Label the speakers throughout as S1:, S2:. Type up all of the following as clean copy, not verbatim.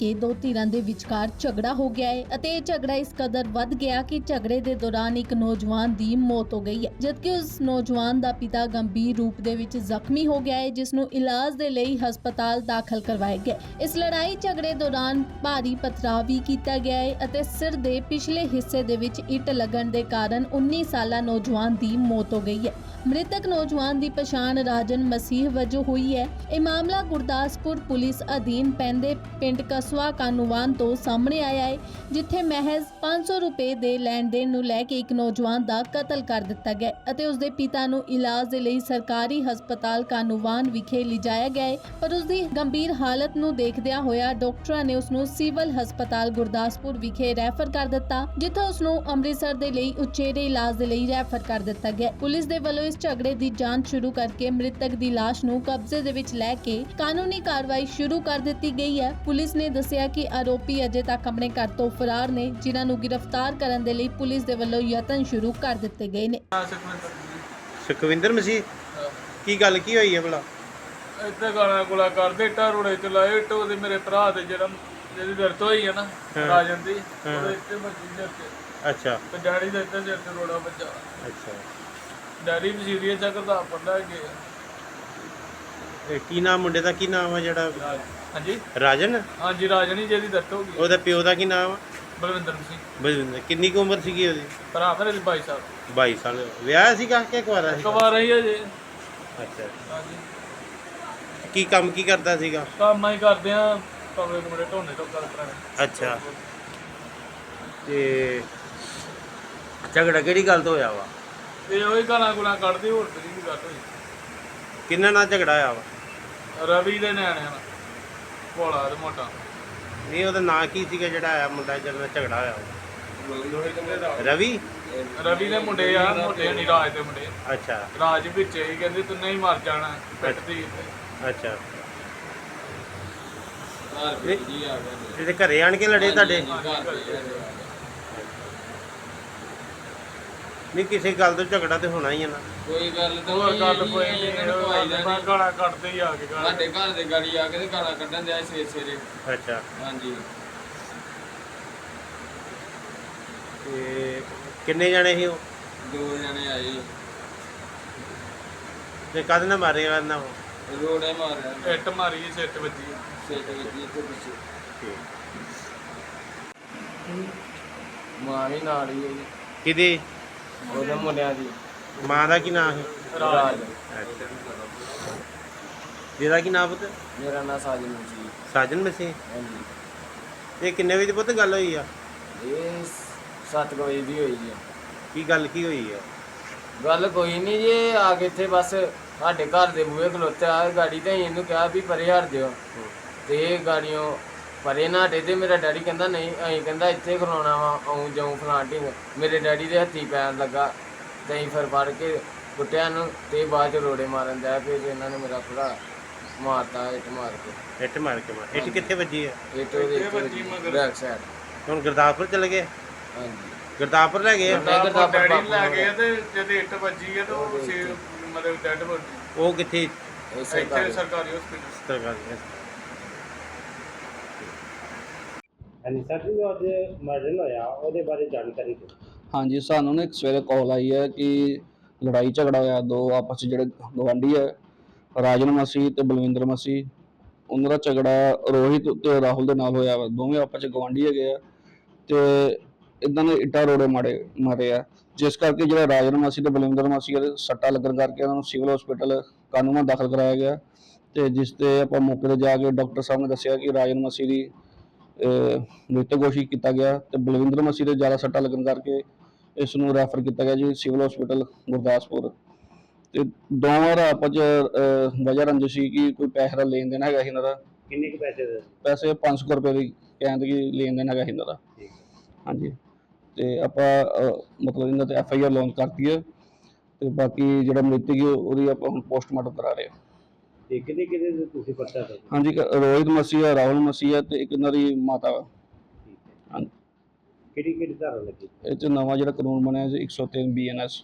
S1: ਕੇ ਦੋ ਧਿਰਾਂ ਦੇ ਵਿਚਕਾਰ ਝਗੜਾ ਹੋ ਗਿਆ ਹੈ ਅਤੇ ਇਹ ਝਗੜਾ ਇਸ ਕਦਰ ਵੱਧ ਗਿਆ ਕਿ ਝਗੜੇ ਦੇ ਦੌਰਾਨ ਇੱਕ ਨੌਜਵਾਨ ਦੀ ਮੌਤ ਹੋ ਗਈ ਹੈ, ਜਦਕਿ ਉਸ ਨੌਜਵਾਨ ਦਾ ਪਿਤਾ ਗੰਭੀਰ ਰੂਪ ਦੇ ਵਿੱਚ ਜ਼ਖਮੀ ਹੋ ਗਿਆ ਹੈ, ਜਿਸ ਨੂੰ ਇਲਾਜ ਦੇ ਲਈ ਹਸਪਤਾਲ ਦਾਖਲ ਕਰਵਾਇਆ ਗਿਆ। ਇਸ ਲੜਾਈ ਝਗੜੇ ਦੌਰਾਨ ਭਾਰੀ ਪਥਰਾਅ ਵੀ ਕੀਤਾ ਗਿਆ ਹੈ ਅਤੇ ਸਿਰ ਦੇ ਪਿਛਲੇ ਹਿੱਸੇ ਦੇ ਵਿੱਚ ਇੱਟ ਲੱਗਣ ਦੇ ਕਾਰਨ 19 ਸਾਲਾ ਨੌਜਵਾਨ ਦੀ ਮੌਤ ਹੋ ਗਈ ਹੈ। ਮ੍ਰਿਤਕ ਨੌਜਵਾਨ ਦੀ ਪਛਾਣ ਰਾਜਨ ਮਸੀਹ ਵਜੋਂ ਹੋਈ ਹੈ। ਇਹ ਮਾਮਲਾ ਗੁਰਦਾਸਪੁਰ ਪੁਲਿਸ ਅਧੀਨ ਪੈਂਦੇ ਪਿੰਡ ਕਸਵਾ ਕਾਨੂੰਵਾਨ ਤੋਂ ਸਾਹਮਣੇ ਆਇਆ ਹੈ, ਜਿੱਥੇ ਮਹਿਜ਼ 500 ਰੁਪਏ ਦੇ ਲੈਣ ਦੇਣ ਨੂੰ ਲੈ ਕੇ ਇੱਕ ਨੌਜਵਾਨ ਦਾ ਕਤਲ ਕਰ ਦਿੱਤਾ ਗਿਆ ਅਤੇ ਉਸ ਦੇ ਪਿਤਾ ਨੂੰ ਇਲਾਜ ਦੇ ਲਈ ਸਰਕਾਰੀ ਹਸਪਤਾਲ ਕਾਨੂੰਵਾਨ ਵਿਖੇ ਲਿਜਾਇਆ ਗਿਆ ਹੈ, ਪਰ ਉਸ ਦੀ ਗੰਭੀਰ ਹਾਲਤ ਨੂੰ ਦੇਖਦਿਆਂ ਹੋਇਆ ਡਾਕਟਰਾਂ ਨੇ ਉਸ ਨੂੰ ਸਿਵਲ ਹਸਪਤਾਲ ਗੁਰਦਾਸਪੁਰ ਵਿਖੇ ਰੈਫਰ ਕਰ ਦਿੱਤਾ, ਜਿੱਥੇ ਉਸ ਨੂੰ ਅੰਮ੍ਰਿਤਸਰ ਦੇ ਲਈ ਉਚੇਰੇ ਇਲਾਜ ਦੇ ਲਈ ਰੈਫਰ ਕਰ ਦਿੱਤਾ ਗਿਆ। ਪੁਲਿਸ ਦੇ ਵੱਲੋਂ ਇਸ ਝਗੜੇ ਦੀ ਜਾਂਚ ਸ਼ੁਰੂ ਕਰਕੇ ਮ੍ਰਿਤਕ ਦੀ ਲਾਸ਼ ਨੂੰ ਕਬਜ਼ੇ ਦੇ ਵਿੱਚ ਲੈ ਕੇ ਕਾਨੂੰਨੀ ਕਾਰਵਾਈ ਸ਼ੁਰੂ ਕਰ ਦਿੱਤੀ ਗਈ ਹੈ। ਪੁਲਿਸ ਨੇ ਦੱਸਿਆ ਕਿ ਆਰੋਪੀ ਅਜੇ ਤੱਕ ਆਪਣੇ ਘਰ ਤੋਂ ਫਰਾਰ ਨੇ, ਜਿਨ੍ਹਾਂ ਨੂੰ ਗ੍ਰਿਫਤਾਰ ਕਰਨ ਦੇ ਲਈ ਪੁਲਿਸ ਦੇ ਵੱਲੋਂ ਯਤਨ ਸ਼ੁਰੂ ਕਰ ਦਿੱਤੇ ਗਏ ਨੇ।
S2: ਸੁਖਵਿੰਦਰ ਮਸੀਹ ਕੀ ਗੱਲ ਕੀ ਹੋਈ ਹੈ ਭਲਾ?
S3: ਇੱਥੇ ਗਾਣਾ ਗੁਲਾ ਕਰਦੇ ਇੱਟਾਂ ਰੋੜੇ ਚ ਲਾਏ ਇੱਟ ਉਹਦੇ ਮੇਰੇ ਭਰਾ ਦੇ ਜਿਹਦੀ ਦਰਦ ਹੋਈ ਹੈ ਨਾ ਰਾਜਨ ਦੀ, ਉਹਦੇ ਇੱਥੇ ਵੱਜੀ ਸਿਰ ਤੇ।
S2: ਅੱਛਾ।
S3: ਤੇ ਡੈਡੀ ਦੇ ਇੱਥੇ ਸਿਰ ਤੇ ਰੋੜਾ ਵੱਜਾ।
S2: ਅੱਛਾ।
S3: ਡੈਡੀ ਵੀ ਸੀਰੀਅਸ ਆ, ਕਿਤਾਬ ਪੜ੍ਹਦਾ ਗਿਆ।
S2: ਇਹ ਕੀ ਨਾਮ ਮੁੰਡੇ ਦਾ ਕੀ ਨਾਮ ਆ ਜਿਹੜਾ?
S3: ਹਾਂਜੀ
S2: ਰਾਜਨ?
S3: ਹਾਂਜੀ ਰਾਜਨ ਹੀ ਜਿਹਦੀ ਦਰਦ ਹੋ ਗਈ।
S2: ਉਹਦਾ ਪਿਓ ਦਾ ਕੀ ਨਾਮ ਆ?
S3: ਬਲਵਿੰਦਰ ਸਿੰਘ।
S2: ਬਲਵਿੰਦਰ। ਕਿੰਨੀ ਕੁ ਉਮਰ ਸੀਗੀ ਉਹਦੀ?
S3: ਭਰਾ ਮੇਰੇ 22 ਸਾਲ।
S2: 22 ਸਾਲ। ਵਿਆਹ ਸੀਗਾ ਕਿ ਕੁਆਰਾ ਸੀ?
S3: ਕੁਆਰਾ ਹੀ ਹੈ ਜੀ।
S2: ਅੱਛਾ।
S3: ਹਾਂਜੀ।
S2: ਕੀ ਕੰਮ ਕੀ ਕਰਦਾ ਸੀਗਾ?
S3: ਕੰਮ ਹੀ ਕਰਦੇ ਆ, ਕਮਰੇ ਕੁਮਰੇ ਢੋਣੇ ਤੋਂ ਕਰ ਕਰਾਂਗੇ।
S2: ਅੱਛਾ। ਤੇ ਝਗੜਾ ਕਿਹੜੀ ਗੱਲ ਤੋਂ ਹੋਇਆ ਵਾ?
S3: ਇਹ ਉਹੀ ਗਾਣਾ ਗੁਲਾ ਕੱਢਦੀ, ਹੋਰ ਤੇਰੀ ਵੀ ਗੱਲ ਹੋਈ।
S2: ਕਿੰਨਾ ਨਾਲ ਝਗੜਾ ਹੋਇਆ ਵਾ?
S3: ਰਵੀ ਦੇ ਨਿਆਣਿਆਂ ਨਾਲ, ਭੋਲਾ ਤੇ ਮੋਟਾ।
S2: ਨਹੀਂ, ਉਹਦਾ ਨਾਂ ਕੀ ਸੀਗਾ ਜਿਹੜਾ ਆਇਆ ਮੁੰਡਾ ਜਿਹਦੇ ਨਾਲ ਝਗੜਾ ਹੋਇਆ ਵਾ? ਰਵੀ?
S3: ਰਵੀ ਦੇ ਮੁੰਡੇ ਆ, ਮੋਟੇ ਨਹੀਂ ਰਾਜ ਦੇ ਮੁੰਡੇ।
S2: ਅੱਛਾ।
S3: ਰਾਜ ਵਿੱਚ ਹੀ ਕਹਿੰਦੇ ਤੂੰ ਨਹੀਂ ਮਰ ਜਾਣਾ ਪਿੱਟਦੀ।
S2: ਅੱਛਾ। ਇਹਦੇ ਘਰੇ ਆਣ ਕੇ ਲੜੇ ਤੁਹਾਡੇ? ਨਹੀਂ, ਕਿਸੇ ਗੱਲ ਤੋਂ ਝਗੜਾ ਤੇ ਹੋਣਾ ਹੀ ਹੈ ਨਾ।
S4: ਕੋਈ ਗੱਲ ਤਾਂ
S3: ਹੋਰ ਗੱਲ ਕੋਈ ਨਹੀਂ, ਗਾਲਾਂ ਕੱਢਦੇ ਹੀ ਆ ਕੇ।
S4: ਸਾਡੇ ਘਰ ਦੇ ਗਾੜੀ ਆ ਕੇ ਤੇ ਗਾਲਾਂ ਕੱਢਣ ਦਿਆ ਸਵੇਰੇ ਸਵੇਰੇ।
S2: ਅੱਛਾ।
S4: ਹਾਂਜੀ।
S2: ਤੇ ਕਿੰਨੇ ਜਣੇ ਸੀ ਉਹ?
S4: 2 ਜਣੇ ਆਏ।
S2: ਤੇ ਕਦ ਨਾ ਮਾਰੇ ਨਾ
S4: ਰੋੜੇ ਮਾਰਿਆ,
S3: ਇੱਟ ਮਾਰੀ, ਸਿਰ ਤੇ ਵੱਜੀ।
S4: ਸਿਰ ਤੇ ਵੱਜੀ ਇੱਥੇ ਪਿੱਛੇ। ਮਾਂ ਵੀ ਨਾਲ ਹੀ ਹੈ ਜੀ।
S2: ਕਿਹਦੀ?
S4: ਉਹਦੇ ਮੁੰਡਿਆਂ ਦੀ।
S2: ਮਾਂ ਦਾ ਕੀ ਨਾਮ ਹੈ?
S4: ਰਾਜ।
S2: ਅੱਛਾ। ਜਿਹਦਾ ਕੀ ਨਾਮ ਪੁੱਤ?
S4: ਮੇਰਾ ਨਾਂ ਸਾਜਨ ਮਸੀਹ।
S2: ਸਾਜਨ ਮਸੀਹ।
S4: ਹਾਂਜੀ।
S2: ਇਹ ਕਿੰਨੇ ਵਜੇ ਪੁੱਤ ਗੱਲ ਹੋਈ ਆ?
S4: ਇਹ 7 ਵਜੇ ਦੀ ਹੋਈ ਜੀ।
S2: ਕੀ ਗੱਲ ਕੀ ਹੋਈ ਆ?
S4: ਗੱਲ ਕੋਈ ਨਹੀਂ ਜੀ, ਆ ਕੇ ਇੱਥੇ ਬਸ ਸਾਡੇ ਘਰ ਦੇ ਬੂਹੇ ਖਲੋਤੇ ਆ ਗਾੜੀ, ਤੇ ਇਹਨੂੰ ਕਿਹਾ ਵੀ ਪਰੇ ਹਟ ਦਿਓ, ਤੇ ਇਹ ਗਾੜੀਆਂ ਪਰੇ ਨਾ ਹਟੇ। ਤੇ ਮੇਰਾ ਡੈਡੀ ਕਹਿੰਦਾ ਨਹੀਂ, ਅਸੀਂ ਕਹਿੰਦਾ ਇੱਥੇ ਖਲੋਣਾ ਵਾ, ਆਉਂ ਜਾਉਂ ਫਲਾਂਟਿੰਗ। ਮੇਰੇ ਡੈਡੀ ਦੇ ਹੱਥੀ ਪੈਣ ਲੱਗਾ ਤੇ ਅਸੀਂ ਫਿਰ ਫੜ ਕੇ ਕੁੱਟਿਆ ਨੂੰ, ਤੇ ਬਾਅਦ ਚ ਰੋੜੇ ਮਾਰਨ ਦਿਆ। ਫਿਰ ਇਹਨਾਂ ਨੇ ਮੇਰਾ ਭਰਾ ਮਾਰਤਾ ਇੱਟ ਮਾਰ ਕੇ।
S2: ਇੱਟ ਮਾਰ ਕੇ? ਇੱਟ ਕਿੱਥੇ ਵੱਜੀ ਆ?
S4: ਇੱਟ ਉਹਦੇ ਬੈਕ ਸਾਈਡ।
S2: ਹੁਣ ਗੁਰਦਾਸਪੁਰ ਚਲੇ ਗਏ?
S4: ਹਾਂਜੀ।
S2: ਗੁਰਦਾਸਪੁਰ ਲੈ ਗਏ?
S3: ਡੈਡੀ ਲੈ ਗਏ ਤੇ ਜਦ ਇੱਟ ਵੱਜੀ ਹੈ ਤਾਂ ਉਹ ਮਤਲਬ ਡੈਡ ਹੋ ਗਈ।
S2: ਉਹ ਕਿੱਥੇ?
S3: ਇੱਥੇ ਸਰਕਾਰੀ ਹਸਪੀਟਲ।
S2: ਸਰਕਾਰੀ। ਹਾਂਜੀ ਸਰ ਜੀ, ਅੱਜ ਮਰਡਰ ਹੋਇਆ, ਉਹਦੇ ਬਾਰੇ ਜਾਣਕਾਰੀ ਦਿਓ।
S5: ਹਾਂਜੀ, ਸਾਨੂੰ ਨਾ ਇੱਕ ਸਵੇਰੇ ਕਾਲ ਆਈ ਹੈ ਕਿ ਲੜਾਈ ਝਗੜਾ ਹੋਇਆ ਦੋ ਆਪਸ 'ਚ ਜਿਹੜੇ ਗਵਾਂਢੀ ਹੈ, ਰਾਜਨ ਮਸੀਹ ਤੇ ਬਲਵਿੰਦਰ ਮਸੀਹ। ਉਹਨਾਂ ਦਾ ਝਗੜਾ ਰੋਹਿਤ ਤੇ ਰਾਹੁਲ ਦੇ ਨਾਲ ਹੋਇਆ ਵਾ। ਦੋਵੇਂ ਆਪਸ 'ਚ ਗਵਾਂਢੀ ਹੈਗੇ ਆ ਤੇ ਇੱਦਾਂ ਦੇ ਇੱਟਾਂ ਰੋੜੇ ਮਾਰੇ ਆ, ਜਿਸ ਕਰਕੇ ਜਿਹੜਾ ਰਾਜਨ ਮਸੀਹ ਤੇ ਬਲਵਿੰਦਰ ਮਸੀਹ ਦੇ ਸੱਟਾਂ ਲੱਗਣ ਕਰਕੇ ਉਹਨਾਂ ਨੂੰ ਸਿਵਲ ਹਸਪੀਟਲ ਕਾਨੂੰਨਾਂ ਦਾਖਲ ਕਰਾਇਆ ਗਿਆ। ਤੇ ਜਿਸ ਤੇ ਆਪਾਂ ਮੌਕੇ ਤੇ ਜਾ ਕੇ ਡਾਕਟਰ ਸਾਹਿਬ ਨੇ ਦੱਸਿਆ ਕਿ ਰਾਜਨ ਮਸੀਹ ਦੀ ਮ੍ਰਿਤਕ ਘੋਸ਼ਿਤ ਕੀਤਾ ਗਿਆ ਤੇ ਬਲਵਿੰਦਰ ਮਸੀਹ ਦੇ ਜ਼ਿਆਦਾ ਸੱਟਾਂ ਲੱਗਣ ਕਰਕੇ ਇਸ ਨੂੰ ਰੈਫਰ ਕੀਤਾ ਗਿਆ ਜੀ ਸਿਵਲ ਹਸਪੀਟਲ ਗੁਰਦਾਸਪੁਰ। ਤੇ ਦੋਵਾਂ ਦਾ ਆਪਸ 'ਚ ਵਜ੍ਹਾ ਰੰਜਿਸ਼ ਸੀ ਕਿ ਕੋਈ ਪੈਸੇ ਦਾ ਲੈਣ ਦੇਣ ਹੈਗਾ ਸੀ ਇਹਨਾਂ ਦਾ।
S2: ਕਿੰਨੇ ਕੁ ਪੈਸੇ ਦੇ?
S5: ਪੈਸੇ 500 ਰੁਪਏ ਦੀ ਕਹਿੰਦੇ ਕਿ ਲੈਣ ਦੇਣ ਹੈਗਾ ਸੀ ਇਹਨਾਂ ਦਾ। ਹਾਂਜੀ। ਤੇ ਆਪਾਂ ਮਤਲਬ ਇਹਨਾਂ ਤੇ FIR ਲਾਂਚ ਕਰਤੀ ਹੈ ਤੇ ਬਾਕੀ ਜਿਹੜਾ ਮ੍ਰਿਤਕ ਹੈ ਉਹਦੀ ਆਪਾਂ ਹੁਣ ਪੋਸਟਮਾਰਟਮ ਕਰਾ ਰਹੇ ਹਾਂ।
S2: ਤੇ ਕਿਹਦੇ ਤੁਸੀਂ ਪਰਚਾ ਦੇ?
S5: ਹਾਂਜੀ, ਰੋਹਿਤ ਮਸੀਹ ਹੈ, ਰਾਹੁਲ ਮਸੀਹ ਹੈ ਤੇ ਇੱਕ ਇਹਨਾਂ ਦੀ ਮਾਤਾ ਵਾ। ਹਾਂਜੀ।
S2: ਕਿਹੜੀ ਧਾਰਾ ਲੱਗੀ?
S5: ਇਹ 'ਚ ਨਵਾਂ ਜਿਹੜਾ ਕਾਨੂੰਨ ਬਣਿਆ ਜੀ 103 BNS।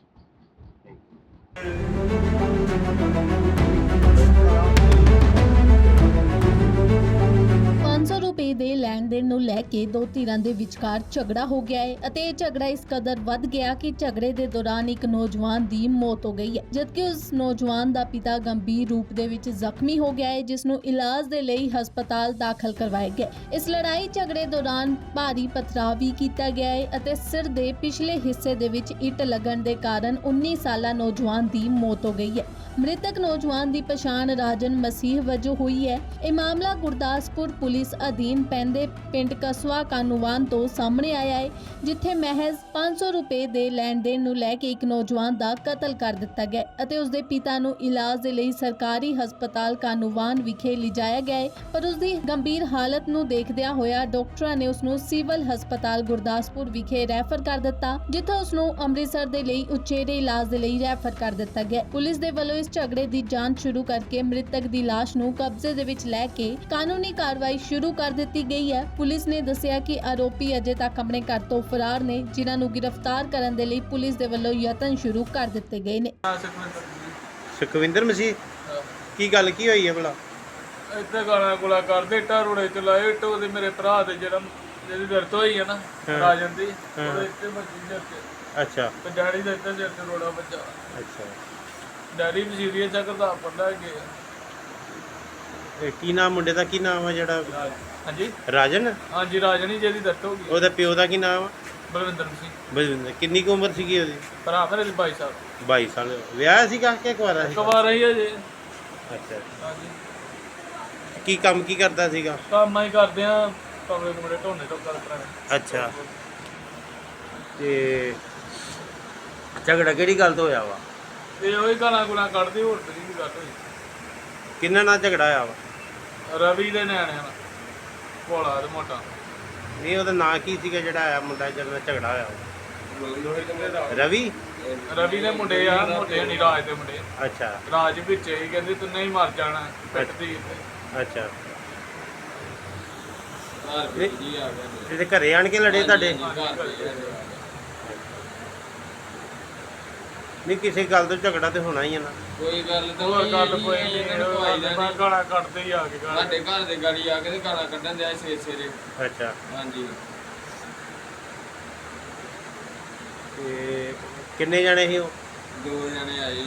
S1: ਰੁਪਏ ਦੇ ਲੈਣ ਦੇਣ ਨੂੰ ਲੈ ਕੇ ਦੋ ਧਿਰਾਂ ਦੇ ਵਿਚਕਾਰ ਝਗੜਾ ਹੋ ਗਿਆ ਹੈ ਅਤੇ ਇਹ ਝਗੜਾ ਇਸ ਕਦਰ ਵੱਧ ਗਿਆ ਕਿ ਝਗੜੇ ਦੇ ਦੌਰਾਨ ਇੱਕ ਨੌਜਵਾਨ ਦੀ ਮੌਤ ਹੋ ਗਈ ਹੈ, ਜਦਕਿ ਉਸ ਨੌਜਵਾਨ ਦਾ ਪਿਤਾ ਗੰਭੀਰ ਰੂਪ ਦੇ ਵਿੱਚ ਜ਼ਖਮੀ ਹੋ ਗਿਆ ਹੈ, ਜਿਸ ਨੂੰ ਇਲਾਜ ਦੇ ਲਈ ਹਸਪਤਾਲ ਦਾਖਲ ਕਰਵਾਇਆ ਗਿਆ। ਇਸ ਲੜਾਈ ਝਗੜੇ ਦੌਰਾਨ ਭਾਰੀ ਪਥਰਾਅ ਵੀ ਕੀਤਾ ਗਿਆ ਹੈ ਅਤੇ ਸਿਰ ਦੇ ਪਿਛਲੇ ਹਿੱਸੇ ਦੇ ਵਿੱਚ ਇੱਟ ਲੱਗਣ ਦੇ ਕਾਰਨ 19 ਸਾਲਾ ਨੌਜਵਾਨ ਦੀ ਮੌਤ ਹੋ ਗਈ ਹੈ। ਮ੍ਰਿਤਕ ਨੌਜਵਾਨ ਦੀ ਪਛਾਣ ਰਾਜਨ ਮਸੀਹ ਵਜੋਂ ਹੋਈ ਹੈ। ਇਹ ਮਾਮਲਾ ਗੁਰਦਾਸਪੁਰ ਪੁਲਿਸ ਅਧੀਨ ਪੈਂਦੇ ਪਿੰਡ ਕਸਵਾ ਕਾਨੂੰਵਾਨ ਤੋਂ ਸਾਹਮਣੇ ਆਇਆ ਹੈ, ਜਿੱਥੇ ਮਹਿਜ਼ 500 ਰੁਪਏ ਦੇ ਲੈਣ ਦੇਣ ਨੂੰ ਲੈ ਕੇ ਇੱਕ ਨੌਜਵਾਨ ਦਾ ਕਤਲ ਕਰ ਦਿੱਤਾ ਗਿਆ ਅਤੇ ਉਸ ਦੇ ਪਿਤਾ ਨੂੰ ਇਲਾਜ ਦੇ ਲਈ ਸਰਕਾਰੀ ਹਸਪਤਾਲ ਕਾਨੂੰਵਾਨ ਵਿਖੇ ਲਿਜਾਇਆ ਗਿਆ ਹੈ, ਪਰ ਉਸ ਦੀ ਗੰਭੀਰ ਹਾਲਤ ਨੂੰ ਦੇਖਦਿਆਂ ਹੋਇਆ ਡਾਕਟਰਾਂ ਨੇ ਉਸ ਨੂੰ ਸਿਵਲ ਹਸਪਤਾਲ ਗੁਰਦਾਸਪੁਰ ਵਿਖੇ ਰੈਫਰ ਕਰ ਦਿੱਤਾ, ਜਿੱਥੇ ਉਸ ਨੂੰ ਅੰਮ੍ਰਿਤਸਰ ਦੇ ਲਈ ਉਚੇਰੇ ਇਲਾਜ ਦੇ ਲਈ ਰੈਫਰ ਕਰ ਦਿੱਤਾ ਗਿਆ। ਪੁਲਿਸ ਦੇ ਵੱਲੋਂ ਇਸ ਝਗੜੇ ਦੀ ਜਾਂਚ ਸ਼ੁਰੂ ਕਰਕੇ ਮ੍ਰਿਤਕ ਦੀ ਲਾਸ਼ ਨੂੰ ਕਬਜ਼ੇ ਦੇ ਵਿੱਚ ਲੈ ਕੇ ਕਾਨੂੰਨੀ ਕਾਰਵਾਈ ਸ਼ੁਰੂ ਕਰ ਦਿੱਤੀ ਗਈ ਹੈ। ਪੁਲਿਸ ਨੇ ਦੱਸਿਆ ਕਿ ਆਰੋਪੀ ਅਜੇ ਤੱਕ ਆਪਣੇ ਘਰ ਤੋਂ ਫਰਾਰ ਨੇ, ਜਿਨ੍ਹਾਂ ਨੂੰ ਗ੍ਰਿਫਤਾਰ ਕਰਨ ਦੇ ਲਈ ਪੁਲਿਸ ਦੇ ਵੱਲੋਂ ਯਤਨ ਸ਼ੁਰੂ ਕਰ ਦਿੱਤੇ ਗਏ ਨੇ।
S2: ਸੁਖਵਿੰਦਰ ਮਸੀਹ, ਕੀ ਗੱਲ ਕੀ ਹੋਈ ਹੈ ਭਲਾ?
S3: ਇੱਥੇ ਗਾਲਾਂ ਗੁਲਾ ਕਰਦੇ, ਇੱਟਾਂ ਰੋੜੇ ਚ ਲਾਏ, ਇੱਟ ਉਹਦੇ ਮੇਰੇ ਭਰਾ ਦੇ ਜਿਹਦੀ ਦਰਦ ਹੋਈ ਹੈ ਨਾ ਰਾਜਨ ਦੀ, ਉਹਦੇ ਇੱਥੇ ਵੱਜੀ ਸਿਰ ਤੇ।
S2: ਅੱਛਾ
S3: ਤੇ ਡੈਡੀ ਦੇ ਇੱਥੇ ਸਿਰ ਤੇ ਰੋੜਾ ਵੱਜਾ।
S2: ਅੱਛਾ,
S3: ਡੈਡੀ ਵੀ ਸੀਰੀਅਸ ਆ, ਕਰਦਾ ਪੜਦਾ ਗਿਆ।
S2: ਇਹ ਕੀ ਨਾਮ ਮੁੰਡੇ ਦਾ, ਕੀ ਨਾਮ ਆ ਜਿਹੜਾ?
S3: ਹਾਂਜੀ
S2: ਰਾਜਨ?
S3: ਹਾਂਜੀ ਰਾਜਨ ਹੀ ਜਿਹਦੀ ਦਰਦ ਹੋ ਗਈ।
S2: ਉਹਦੇ ਪਿਓ ਦਾ ਕੀ ਨਾਮ ਆ?
S3: ਬਲਵਿੰਦਰ ਸਿੰਘ।
S2: ਬਲਵਿੰਦਰ। ਕਿੰਨੀ ਕੁ ਉਮਰ ਸੀਗੀ ਉਹਦੀ?
S3: ਭਰਾ ਮੇਰੇ ਦੇ 22 ਸਾਲ।
S2: 22 ਸਾਲ। ਵਿਆਹ ਸੀਗਾ ਕਿ ਕੁਆਰਾ ਸੀ?
S3: ਕੁਵਾਰਾ ਹੀ ਹੈ ਜੀ।
S2: ਅੱਛਾ,
S3: ਹਾਂਜੀ
S2: ਕੀ ਕੰਮ ਕੀ ਕਰਦਾ ਸੀਗਾ?
S3: ਕੰਮ ਹੀ ਕਰਦੇ ਆ, ਕਮਰੇ ਕੁਮਰੇ ਢੋਣੇ ਤੋਂ ਗੱਲ ਕਰਾਂਗੇ।
S2: ਅੱਛਾ, ਤੇ ਝਗੜਾ ਕਿਹੜੀ ਗੱਲ ਤੋਂ ਹੋਇਆ ਵਾ?
S3: ਇਹ ਉਹੀ ਗਾਲਾਂ ਗੁਲਾਂ ਕੱਢਦੀ, ਹੋਰ ਤਰੀ ਦੀ ਗੱਲ ਹੋਈ।
S2: ਕਿੰਨਾ ਨਾਲ ਝਗੜਾ ਹੋਇਆ ਵਾ?
S3: ਰਵੀ ਦੇ ਨਿਆਣਿਆਂ ਨਾਲ, ਭੋਲਾ ਤੇ ਮੋਟਾ।
S2: ਨਹੀਂ, ਉਹਦਾ ਨਾਂ ਕੀ ਸੀਗਾ ਜਿਹੜਾ ਆਇਆ ਮੁੰਡਾ ਜਿਹਦੇ ਨਾਲ ਝਗੜਾ ਹੋਇਆ ਵਾ? ਰਵੀ?
S3: ਰਵੀ ਦੇ ਮੁੰਡੇ ਆ, ਮੋਟੇ ਨਹੀਂ ਰਾਜ ਦੇ ਮੁੰਡੇ।
S2: ਅੱਛਾ
S3: ਰਾਜ ਵਿੱਚ ਹੀ ਕਹਿੰਦੇ ਤੂੰ ਨਹੀਂ ਮਰ ਜਾਣਾ, ਪਿੱਟਦੀ।
S2: ਅੱਛਾ,
S4: ਜੀ ਆ ਗਿਆ
S2: ਇਹਦੇ ਘਰੇ ਆਣ ਕੇ ਲੜੇ ਤੁਹਾਡੇ? ਨਹੀਂ, ਕਿਸੇ ਗੱਲ ਤੋਂ ਝਗੜਾ ਤੇ ਹੋਣਾ ਹੀ ਹੈ ਨਾ।
S4: ਕੋਈ ਗੱਲ ਤਾਂ
S3: ਹੋਰ
S4: ਨਹੀਂ
S3: ਗੱਲ
S4: ਜੀ,
S3: ਕੋਈ
S4: ਇਹਨਾਂ ਨੂੰ ਭਾਈ ਦਾ
S3: ਨਹੀਂ,
S4: ਨਹੀਂ।
S3: ਗਾਲਾਂ ਕੱਢਦੇ ਹੀ ਆ ਕੇ ਗਾਲਾਂ।
S4: ਸਾਡੇ ਘਰ ਦੇ ਗਾੜੀ ਆ ਕੇ ਤੇ ਗਾਲਾਂ ਕੱਢਣ ਦਿਆ ਸਵੇਰੇ।
S2: ਅੱਛਾ,
S4: ਹਾਂਜੀ,
S2: ਤੇ ਕਿੰਨੇ ਜਣੇ ਸੀ ਉਹ?
S4: 2 ਜਣੇ ਆਏ,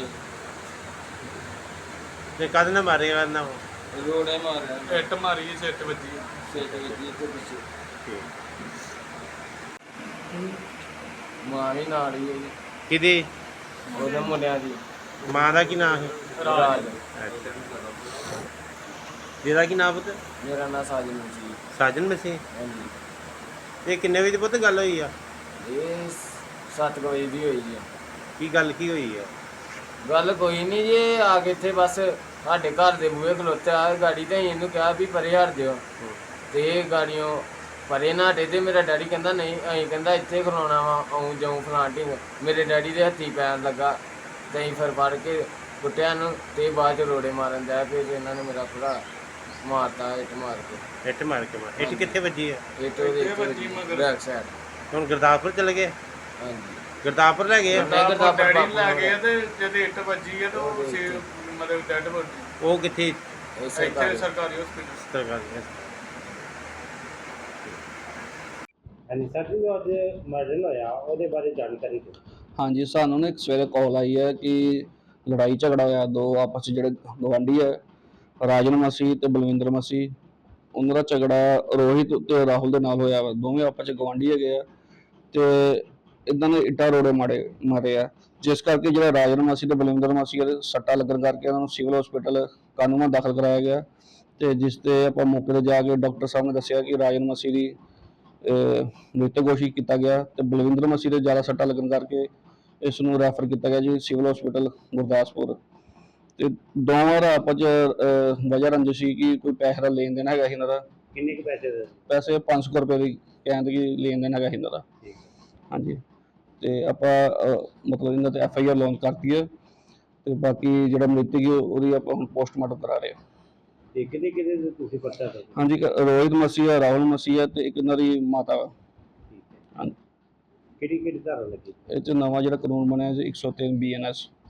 S2: ਤੇ ਕਦ ਨਾ ਮਾਰੇ ਕਰਨਾ ਉਹ?
S4: ਰੋੜੇ ਮਾਰਿਆ,
S3: ਇੱਟ ਮਾਰੀ, ਸਿਰ ਤੇ ਵੱਜੀ।
S4: ਸਿੱਟ ਵਿੱਚ ਇੱਥੇ ਪਿੱਛੇ।
S2: ਠੀਕ।
S4: ਮਾਂ ਵੀ ਨਾਲ ਹੀ ਹੈ ਜੀ,
S2: ਕਿਹਦੀ?
S4: ਉਹਦੇ ਮੁੰਡਿਆਂ ਦੀ।
S2: ਮਾਂ ਦਾ ਕੀ ਨਾਮ ਹੈ?
S4: ਰਾਜ।
S2: ਜਿਹਦਾ ਕੀ ਨਾਮ ਪੁੱਤ?
S4: ਮੇਰਾ ਨਾਂ ਸਾਜਨ ਜੀ।
S2: ਸਾਜਨ ਮਸੀਹ।
S4: ਹਾਂਜੀ,
S2: ਇਹ ਕਿੰਨੇ ਵਜੇ ਪੁੱਤ ਗੱਲ ਹੋਈ ਆ?
S4: ਇਹ 7 ਵਜੇ ਦੀ ਹੋਈ ਜੀ।
S2: ਕੀ ਗੱਲ ਕੀ ਹੋਈ ਆ?
S4: ਗੱਲ ਕੋਈ ਨਹੀਂ ਜੀ, ਆ ਕੇ ਇੱਥੇ ਬਸ ਸਾਡੇ ਘਰ ਦੇ ਬੂਹੇ ਖਲੋਤੇ ਆ ਗਾੜੀ, ਤੇ ਇਹਨੂੰ ਕਿਹਾ ਵੀ ਪਰੇ ਹਟ ਦਿਓ, ਤੇ ਇਹ ਗਾੜੀਆਂ ਪਰੇ ਨਾ ਹਟੇ। ਤੇ ਮੇਰਾ ਡੈਡੀ ਕਹਿੰਦਾ ਨਹੀਂ, ਅਸੀਂ ਕਹਿੰਦਾ ਇੱਥੇ ਖਲੋਣਾ ਵਾ, ਆਉਂ ਜਾਉਂ ਫਲਾਂਟਿੰਗ। ਮੇਰੇ ਡੈਡੀ ਦੇ ਹੱਥੀ ਪੈਣ ਲੱਗਾ, ਤੇ ਅਸੀਂ ਫਿਰ ਫੜ ਕੇ ਕੁੱਟਿਆ ਨੂੰ, ਤੇ ਬਾਅਦ ਚ ਰੋੜੇ ਮਾਰਨ ਦਿਆ। ਫਿਰ ਇਹਨਾਂ ਨੇ ਮੇਰਾ ਭਰਾ ਮਾਰਤਾ ਇੱਟ ਮਾਰ ਕੇ।
S2: ਇੱਟ ਮਾਰ ਕੇ ਮਾਰ? ਇੱਟ ਕਿੱਥੇ ਵੱਜੀ ਆ?
S4: ਇੱਟ ਉਹਦੇ ਬੈਕ ਸਾਈਡ।
S2: ਹੁਣ ਗੁਰਦਾਸਪੁਰ ਚਲੇ ਗਏ?
S4: ਹਾਂਜੀ,
S2: ਗੁਰਦਾਸਪੁਰ ਲੈ ਗਏ ਆ?
S3: ਡੈਡੀ ਲੈ ਗਏ ਤੇ ਜਦ ਇੱਟ ਵੱਜੀ ਹੈ ਤਾਂ ਉਹ ਮਤਲਬ ਡੈਡ ਬੋਡੀ
S2: ਉਹ ਕਿੱਥੇ?
S4: ਇਸੇ
S3: ਇੱਥੇ
S4: ਘਰ।
S3: ਸਰਕਾਰੀ ਹਸਪੀਟਲ।
S2: ਸਰਕਾਰੀ। ਹਾਂਜੀ ਸਰ ਜੀ, ਅੱਜ ਮਰਡਰ ਹੋਇਆ, ਉਹਦੇ ਬਾਰੇ ਜਾਣਕਾਰੀ ਦਿਓ।
S5: ਹਾਂਜੀ, ਸਾਨੂੰ ਨਾ ਇੱਕ ਸਵੇਰੇ ਕਾਲ ਆਈ ਹੈ ਕਿ ਲੜਾਈ ਝਗੜਾ ਹੋਇਆ ਦੋ ਆਪਸ 'ਚ ਜਿਹੜੇ ਗਵਾਂਢੀ ਹੈ, ਰਾਜਨ ਮਸੀਹ ਤੇ ਬਲਵਿੰਦਰ ਮਸੀਹ, ਉਹਨਾਂ ਦਾ ਝਗੜਾ ਰੋਹਿਤ ਤੇ ਰਾਹੁਲ ਦੇ ਨਾਲ ਹੋਇਆ ਵਾ। ਦੋਵੇਂ ਆਪਸ 'ਚ ਗਵਾਂਢੀ ਹੈਗੇ ਆ ਤੇ ਇਦਾਂ ਦੇ ਇੱਟਾਂ ਰੋੜੇ ਮਾਰੇ ਆ, ਜਿਸ ਕਰਕੇ ਜਿਹੜਾ ਰਾਜਨ ਮਸੀਹ ਤੇ ਬਲਵਿੰਦਰ ਮਸੀਹ ਦੇ ਸੱਟਾਂ ਲੱਗਣ ਕਰਕੇ ਉਹਨਾਂ ਨੂੰ ਸਿਵਲ ਹਸਪੀਟਲ ਕਾਨੂੰਨਾਂ ਦਾਖਲ ਕਰਾਇਆ ਗਿਆ। ਤੇ ਜਿਸ ਤੇ ਆਪਾਂ ਮੌਕੇ ਤੇ ਜਾ ਕੇ ਡਾਕਟਰ ਸਾਹਿਬ ਨੇ ਦੱਸਿਆ ਕਿ ਰਾਜਨ ਮਸੀਹ ਦੀ ਮ੍ਰਿਤਕ ਘੋਸ਼ਿਤ ਕੀਤਾ ਗਿਆ ਤੇ ਬਲਵਿੰਦਰ ਮਸੀਹ ਦੇ ਜ਼ਿਆਦਾ ਸੱਟਾਂ ਲੱਗਣ ਕਰਕੇ ਇਸ ਨੂੰ ਰੈਫਰ ਕੀਤਾ ਗਿਆ ਜੀ ਸਿਵਲ ਹਸਪੀਟਲ ਗੁਰਦਾਸਪੁਰ। ਤੇ ਦੋਵਾਂ ਦਾ ਆਪਸ 'ਚ ਵਜ੍ਹਾ ਰੰਜਿਸ਼ ਸੀ ਕਿ ਕੋਈ ਪੈਸੇ ਦਾ ਲੈਣ ਦੇਣ ਹੈਗਾ ਸੀ ਇਹਨਾਂ ਦਾ।
S2: ਕਿੰਨੇ ਕੁ ਪੈਸੇ ਦੇ?
S5: ਪੈਸੇ 500 ਰੁਪਏ ਦੀ ਕਹਿੰਦੇ ਕਿ ਲੈਣ ਦੇਣ ਹੈਗਾ ਸੀ ਇਹਨਾਂ ਦਾ। ਹਾਂਜੀ, ਤੇ ਆਪਾਂ ਮਤਲਬ ਇਹਨਾਂ ਤੇ FIR ਲੌਂਚ ਕਰਤੀ ਹੈ ਤੇ ਬਾਕੀ ਜਿਹੜਾ ਮ੍ਰਿਤਕ ਹੈ ਉਹਦੀ ਆਪਾਂ ਹੁਣ ਪੋਸਟਮਾਰਟਮ ਕਰਾ ਰਹੇ ਹਾਂ।
S2: ਤੇ ਕਿਹਦੇ ਤੁਸੀਂ ਪਰਚਾ ਦੋ?
S5: ਹਾਂਜੀ, ਰੋਹਿਤ ਮਸੀਹ ਹੈ, ਰਾਹੁਲ ਮਸੀਹ ਹੈ ਤੇ ਇੱਕ ਇਹਨਾਂ ਦੀ ਮਾਤਾ ਵਾ। ਹਾਂਜੀ,
S2: ਕਿਹੜੀ ਧਾਰਾ ਲੱਗੀ?
S5: ਇਹ 'ਚ ਨਵਾਂ ਜਿਹੜਾ ਕਾਨੂੰਨ ਬਣਿਆ ਜੀ 103 BNS